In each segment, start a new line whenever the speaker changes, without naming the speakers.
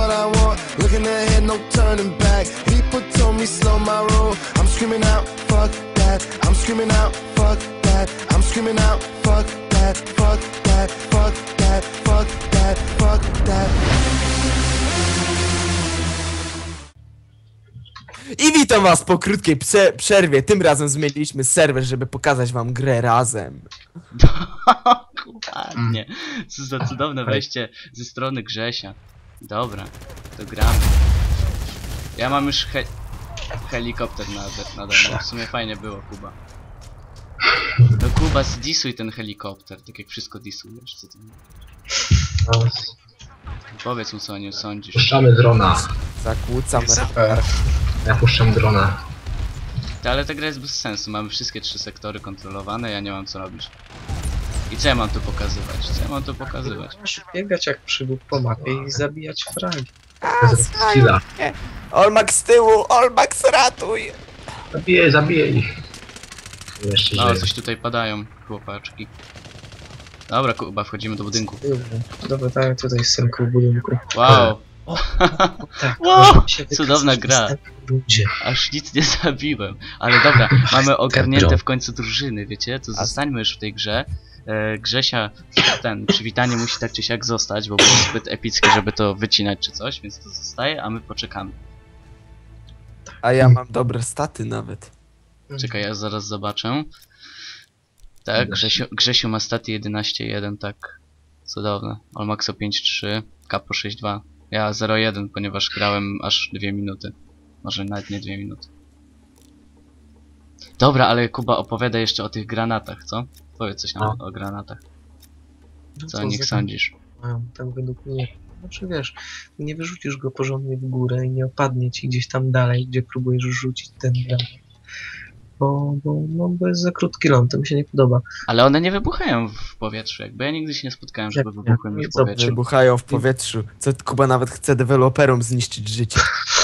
what I want. Looking ahead, no turning back. People told me slow my roll. I'm screaming out, fuck that. I'm screaming out, fuck that. I'm screaming out, fuck that. Fuck that. Fuck that. Fuck that. Fuck that.
I witam was po krótkiej przerwie. Tym razem zmieniliśmy serwer, żeby pokazać wam grę razem.
Ładnie. Co za cudowne wejście ze strony Grzesia. Dobra, to gramy. Ja mam już helikopter nade mną. W sumie fajnie było, Kuba. No Kuba, zdisuj ten helikopter, tak jak wszystko disujesz, co ty mówisz? Powiedz mu, co o nim sądzisz.
Puszczamy drona.
Zakłócam.
Ja puszczam drona.
Ale ta gra jest bez sensu, mamy wszystkie 3 sektory kontrolowane, ja nie mam co robić. I co ja mam tu pokazywać? Co ja mam tu pokazywać?
Masz biegać jak przybóg po mapie i zabijać fragi.
Chwila.
Olmax z tyłu, Olmax ratuj!
Zabiję ich. Jeszcze
No,
żyje.
coś tutaj padają, chłopaczki. Dobra, Kuba, wchodzimy do budynku.
Dobra, tak, tutaj synku w budynku.
Wow!
Tak,
Wow,
możemy się
cudowna
wykazać w
gra.
następnej rundzie.
Aż nic nie zabiłem. Ale dobra, mamy ogarnięte w końcu drużyny, wiecie? To zostańmy już w tej grze. Grzesia, przywitanie musi tak czy siak zostać, bo było zbyt epickie, żeby to wycinać czy coś, więc to zostaje, a my poczekamy.
A ja mam dobre staty nawet.
Czekaj, ja zaraz zobaczę. Tak, Grzesiu ma staty 11.1, tak. Cudowne. Olmaxo 5.3, Capo 6.2. Ja 0.1, ponieważ grałem aż 2 minuty. Może nawet nie 2 minuty. Dobra, ale Kuba opowiada jeszcze o tych granatach, co? Powiedz coś nam o granatach. Co o nich sądzisz?
Tak według mnie. Znaczy wiesz, nie wyrzucisz go porządnie w górę i nie opadnie ci gdzieś tam dalej, gdzie próbujesz rzucić ten granat. Bo jest za krótki ląd, to mi się nie podoba.
Ale one nie wybuchają w powietrzu, jakby ja nigdy się nie spotkałem, żeby wybuchły mi w powietrzu.
Wybuchają w powietrzu. Co Kuba nawet chce deweloperom zniszczyć życie.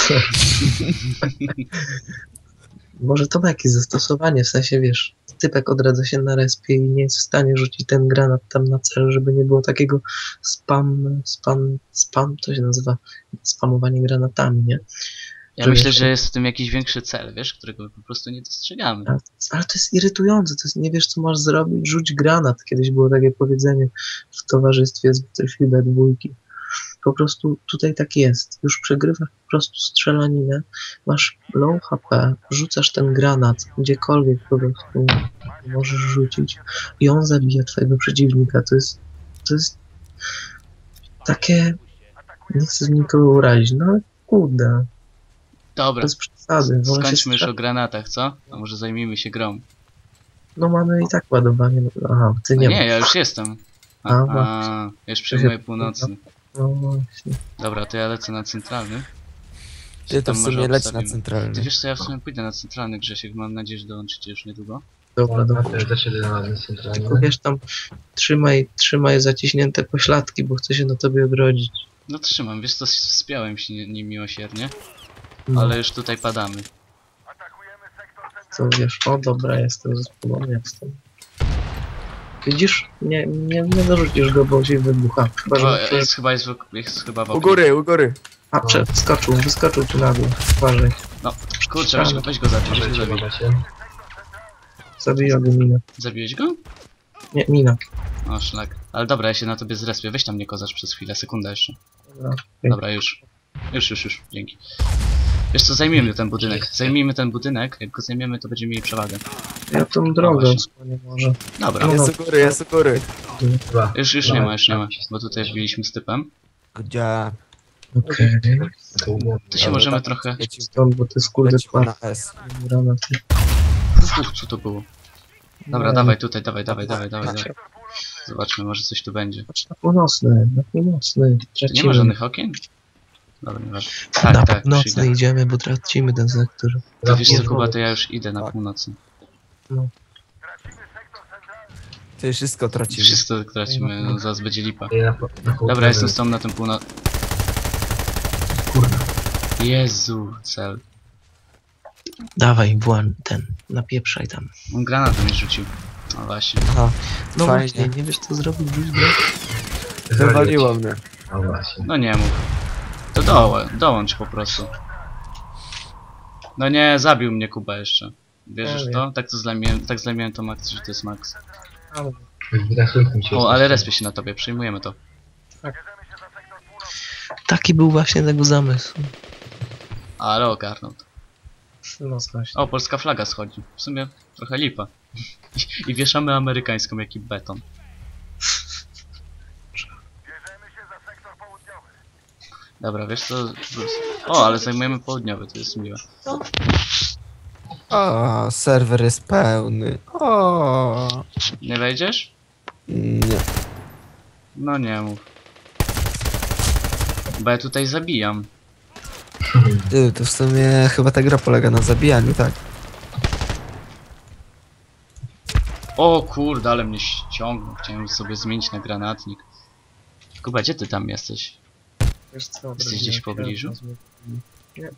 Może to ma jakieś zastosowanie, w sensie wiesz, typek odradza się na respie i nie jest w stanie rzucić ten granat tam na cel, żeby nie było takiego spam, to się nazywa spamowanie granatami, nie?
Ja myślę, że jest w tym jakiś większy cel, wiesz, którego po prostu nie dostrzegamy.
Ale to jest irytujące, to jest, nie wiesz co masz zrobić, rzuć granat. Kiedyś było takie powiedzenie w towarzystwie z Battlefielda 2. Po prostu tutaj tak jest. Już przegrywasz po prostu strzelaninę, masz low HP, rzucasz ten granat gdziekolwiek po prostu możesz rzucić i on zabija twojego przeciwnika. To jest takie, nie chcę nikogo urazić, no ale kurde.
Dobra,
Bez przesady.
skończmy już o granatach, co? A może zajmijmy się grą.
No mamy i tak ładowanie. Aha, ty nie
Nie, ja już jestem. Ja już przyjmuję północny.
No właśnie.
Dobra, to ja lecę na centralny.
Ty to
Tam
w
może
sumie leć na
obstawimy.
centralny.
Ty wiesz co, ja w sumie pójdę na centralny, Grzesiek, mam nadzieję, że dołączycie już niedługo.
Dobra,
Ja
dobra.
też idę na ten centralny.
Tylko wiesz tam, trzymaj zaciśnięte pośladki, bo chcę się na tobie odrodzić.
No trzymam, wiesz co, wspiąłem się nim miłosiernie,
No,
ale już tutaj padamy.
co wiesz, o dobra, jestem zespolony, jestem. Widzisz? Nie dorzucisz go, bo się wybucha. Chyba,
O,
że...
jest chyba w
U
oknie.
góry, u góry.
A, wyskoczył tu na dół. Uważaj.
No, kurczę, weź go zabij, weź go
Możecie,
zabij.
możecie.
Zabija go mina.
Zabiłeś go?
Nie, mina.
O, szlak. Ale dobra, ja się na tobie zrespię, weź tam mnie kozacz przez chwilę, sekunda jeszcze.
Dobra.
Dobra, już, dzięki. Wiesz co, zajmijmy ten budynek, jak go zajmiemy, to będziemy mieli przewagę.
Ja tą drogę
właśnie.
osłonię może.
Dobra,
No,
Jest u góry, jest u góry.
Dobra.
już nie ma, bo tutaj wbiliśmy z typem.
Gdzie?
Okej.
To umowę.
To się
Dobra,
możemy
tak,
trochę...
lecimy,
Stąd, bo to jest kurde
lecimy na S.
granaty.
Co to było? Dobra, dawaj tutaj, dawaj. Zobaczmy, może coś tu będzie.
Patrz na północny.
Tu nie ma
Tracimy.
żadnych okien? Dobra, nieważne.
Na
Tak,
północny
przyjdę.
idziemy, bo tracimy ten sektor.
To wiesz co,
Nie,
Kuba, to ja już idę na
Tak.
północny.
Ty wszystko tracimy.
Wszystko tracimy, no, zaraz będzie lipa.
Ja
Dobra, jestem z tobą na tym północ...
Kurwa.
Jezu, cel.
Dawaj, napieprzaj tam.
On granatem mnie rzucił. No właśnie.
Aha,
No
fajnie.
właśnie, nie wiesz co zrobić, rzuć go.
Wywaliło mnie.
No właśnie.
No nie mów. To dołącz po prostu. No nie, zabił mnie Kuba jeszcze. Wierzysz w to? Tak zlamiłem tą akcję, że to jest Max. O, ale respię się na tobie, przyjmujemy to.
Taki był właśnie tego zamysł.
Ale ogarnął to.
No właśnie.
O, polska flaga schodzi. W sumie trochę lipa. I wieszamy amerykańską, jaki beton. Dobra, wiesz co? O, ale zajmujemy południowy, to jest miłe.
O, serwer jest pełny. O.
Nie wejdziesz?
Nie.
No nie mów. Bo ja tutaj zabijam.
Ty, to w sumie chyba ta gra polega na zabijaniu, tak?
O kurde, ale mnie ściągnął. Chciałem sobie zmienić na granatnik. Kuba, gdzie ty tam jesteś?
Wiesz co,
Jesteś gdzieś w pobliżu?
Nie.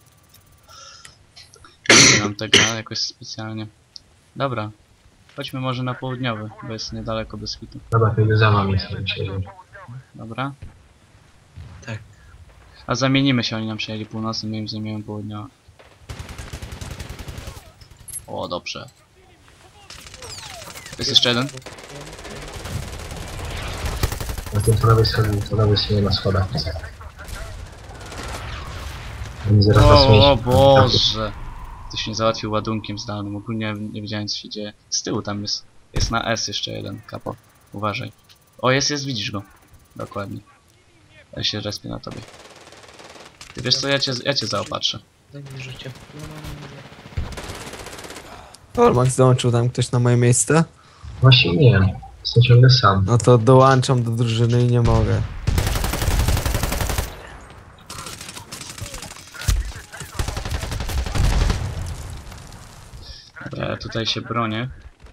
Nie mam tego jakoś specjalnie. Dobra. Chodźmy może na południowy, bo jest niedaleko bez hitu.
Dobra, to za wami jestem.
Dobra?
Tak.
A zamienimy się, oni nam przejęli północny, my im zajmiemy południowy. O, dobrze. Jest jeszcze jeden?
Na tym prawej stronie na schodach. Oni zaraz nas
O
mieć.
Boże! Ktoś mnie załatwił ładunkiem zdalnym, ogólnie nie wiedziałem co się dzieje. Z tyłu tam jest. Jest na S jeszcze jeden, kapo. Uważaj. O, jest, widzisz go. Dokładnie. Ja się respię na tobie. Ty wiesz co, ja cię zaopatrzę.
Daj mi życie.
Max dołączył tam ktoś na moje miejsce?
Właśnie nie. Jestem ciągle sam.
No to dołączam do drużyny i nie mogę.
Dobra, ja tutaj się bronię.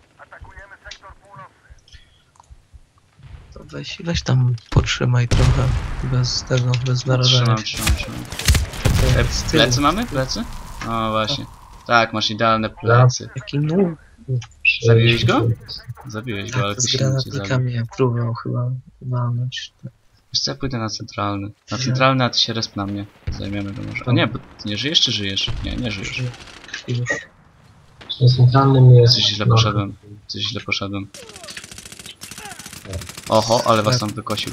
To weź tam potrzymaj trochę. Bez tego, bez narażania.
Trzymam. Plecy mamy? Plecy? O, właśnie. Tak, masz idealne plecy.
Jaki nóż
Zabiłeś go? Zabiłeś go, ale
z
ktoś inny cię zabił.
granatnikami próbował chyba walnąć.
Wiesz co, ja pójdę na centralny. Na centralny, a ty się resp na mnie. Zajmiemy go może. O nie, bo ty nie żyjesz czy żyjesz? Nie, nie żyjesz.
I już.
Na centralnym jest...
Coś źle poszedłem. Coś źle poszedłem. Oho, ale was tam wykosił.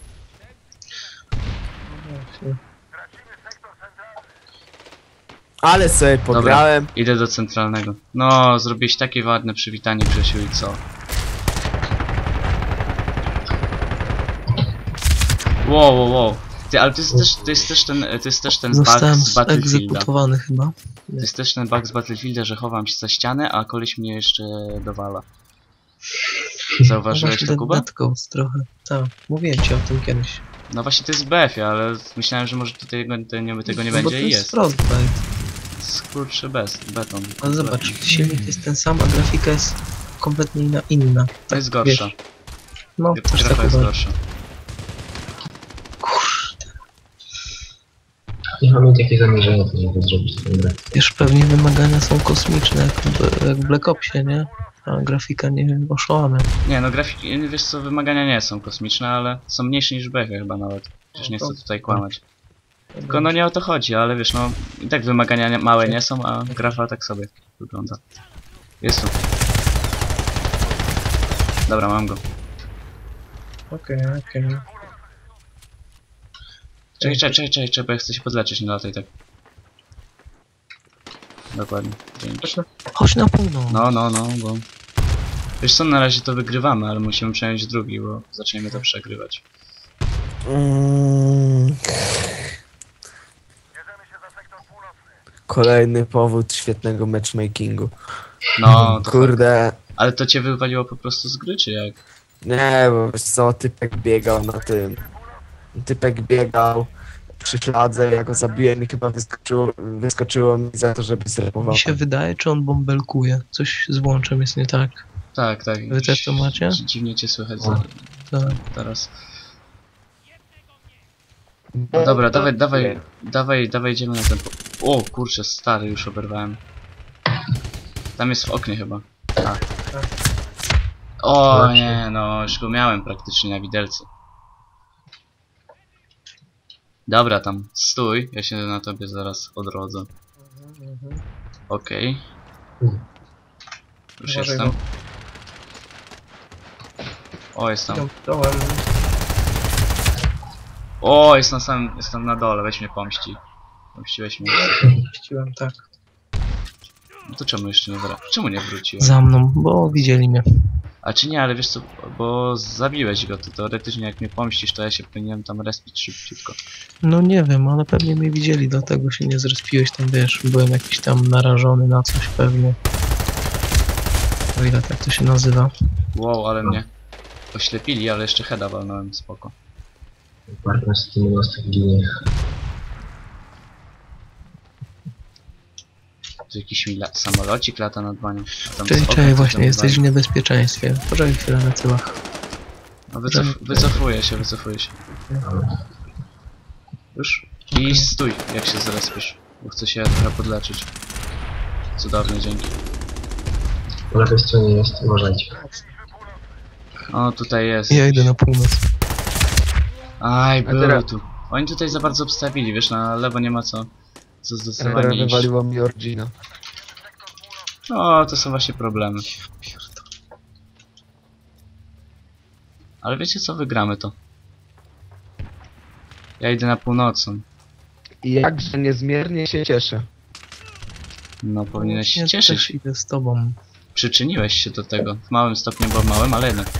Ale sobie pograłem.
Idę do centralnego. No, zrobiłeś takie ładne przywitanie, Grzesiu, i co? Wow. Ty, ale to jest też ten bug
Zostałem
z Battlefielda.
egzekutowany chyba.
To jest też ten bug z Battlefielda, że chowam się za ścianę, a koleś mnie jeszcze dowala. Zauważyłeś to, Kuba?
Netcodes trochę. Tak, mówiłem ci o tym kiedyś.
No właśnie to jest w BF-ie, ale myślałem, że może tutaj tego nie
Bo to
będzie i jest.
Frostbite.
Skurczy beton.
Ale zobacz, silnik jest ten sam, a grafika jest kompletnie inna.
To jest gorsza.
Wiesz. No, też
Grafa
tak
jest
uważam.
gorsza.
Nie mam mieć jakieś zamierzenia, żeby zrobić tę grę.
Wiesz, pewnie wymagania są kosmiczne, jak w Black Opsie, nie? A grafika nie oszłamia.
Nie, no grafiki, wiesz co, wymagania nie są kosmiczne, ale są mniejsze niż w BF-ie chyba nawet. Przecież nie chcę tutaj kłamać. Tylko no nie o to chodzi, ale wiesz, no i tak wymagania małe nie są, a grafa tak sobie wygląda. Jest tu. Dobra, mam go.
Okej.
Czekaj, bo ja chcę się podleczyć, nie lataj tak. Dokładnie. Dzięki.
Chodź na północ.
No, bo... Wiesz co, na razie to wygrywamy, ale musimy przejąć drugi, bo zaczniemy to przegrywać.
Kolejny powód świetnego matchmakingu.
No, to
Kurde.
ale to cię wywaliło po prostu z gry, czy jak?
Nie, bo wiesz co, typek biegał na tym. Typek biegał przy śladze, ja go zabiłem i chyba wyskoczyło mi za to, żeby zrepował.
Mi się wydaje, czy on bąbelkuje. Coś z łączem jest nie tak.
Tak.
Wy też to macie?
Dziwnie cię słychać
Tak.
teraz. No dobra, dawaj, idziemy na ten... O kurczę, stary, już oberwałem. Tam jest w oknie chyba. Tak. O nie, no już go miałem praktycznie na widelcu. Dobra, tam stój, ja się na tobie zaraz odrodzę. Okej. Już
Uważaj,
jestem. O, jest tam.
Dołem.
O, jest na samym, jest tam na dole, weź mnie pomści. Pomściłeś mnie.
Puściłem, tak.
No to czemu jeszcze nie Czemu nie wróciłem?
Za mną, bo widzieli mnie.
A czy nie, ale wiesz co, bo zabiłeś go, to teoretycznie jak mnie pomścisz, to ja się powinienem tam respić szybciutko.
No nie wiem, ale pewnie mnie widzieli, dlatego się nie zrespiłeś tam, wiesz, byłem jakiś tam narażony na coś pewnie. O ile tak to się nazywa.
Wow, ale mnie oślepili, ale jeszcze heada walnąłem, spoko.
Partner z tym mostek ginie.
Tu jakiś mi samolocik lata nad banią. a tam z
Czyli
okna
czekaj,
coś
właśnie,
tam
jesteś w
wali.
niebezpieczeństwie. Poczekaj chwilę na tyłach.
No wycofuję się. Już? I stój, jak się zrespisz, bo chcę się trochę podleczyć. Cudownie, dzięki.
Po lewej stronie jest, uważajcie.
O, tutaj jest.
Ja idę na północ.
Aj,
A
był
teraz-
tu. Oni tutaj za bardzo obstawili, wiesz, na lewo nie ma co
Teraz
zdecydowanie iść.
wywaliło mi Orgina.
No, to są właśnie problemy. Ale wiecie co, wygramy to. Ja idę na północą.
I jakże niezmiernie się cieszę.
No, powinieneś się
Ja
cieszyć.
też idę z tobą.
Przyczyniłeś się do tego. W małym stopniu, bo małym, ale jednak.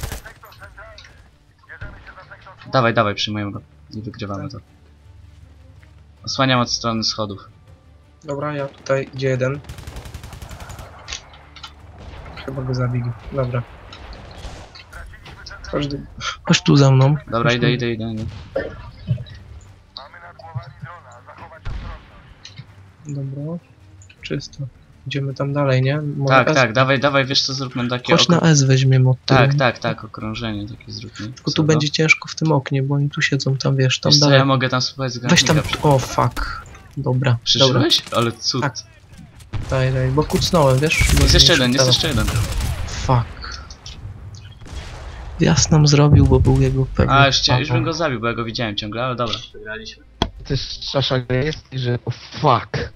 Dawaj, przyjmujemy go. I wygrywamy to. Osłaniam od strony schodów.
Dobra, ja tutaj idzie jeden. Chyba go zabili. Dobra. Chodź tu za mną.
Dobra,
Chodź tu.
idę.
Dobra. Czysto. Idziemy tam dalej, nie? Może S?
Tak, dawaj, wiesz co, zróbmy takie
Chodź na S weźmiemy od tyłu.
Tak, okrążenie takie zróbmy.
Tylko tu będzie ciężko w tym oknie, bo oni tu siedzą, tam wiesz, tam
Wiesz co,
dalej.
ja mogę tam spróbować z
Weź tam,
granatnika.
o fuck. Dobra,
Przeżyłeś? Ale cud.
Tak. daj, bo kucnąłem, wiesz? Bo
Jest jeszcze
nie
jeden, jest
szukałem.
jeszcze jeden.
Fuck. Jas nam zrobił, bo był jego pewnie.
A, już bym go zabił, bo ja go widziałem ciągle, ale dobra. Wygraliśmy.
To jest szasza jest i że... Oh, fuck.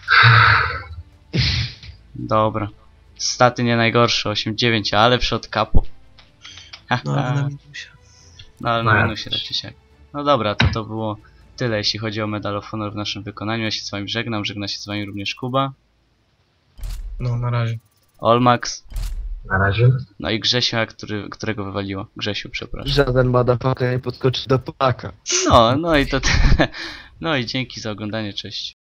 Dobra. Staty nie najgorsze, 8-9, ale przed kapu.
No, ale na minusie.
No ale na minusie raczej się. No dobra, to było tyle, jeśli chodzi o Medal of Honor w naszym wykonaniu. Ja się z wami żegnam, żegna się z wami również Kuba,
No, na razie.
Olmax,
Na razie.
no i Grzesia, którego wywaliło. Grzesiu, przepraszam.
Żaden motherfucker nie podskoczy do Polaka.
No i to... No i dzięki za oglądanie, cześć.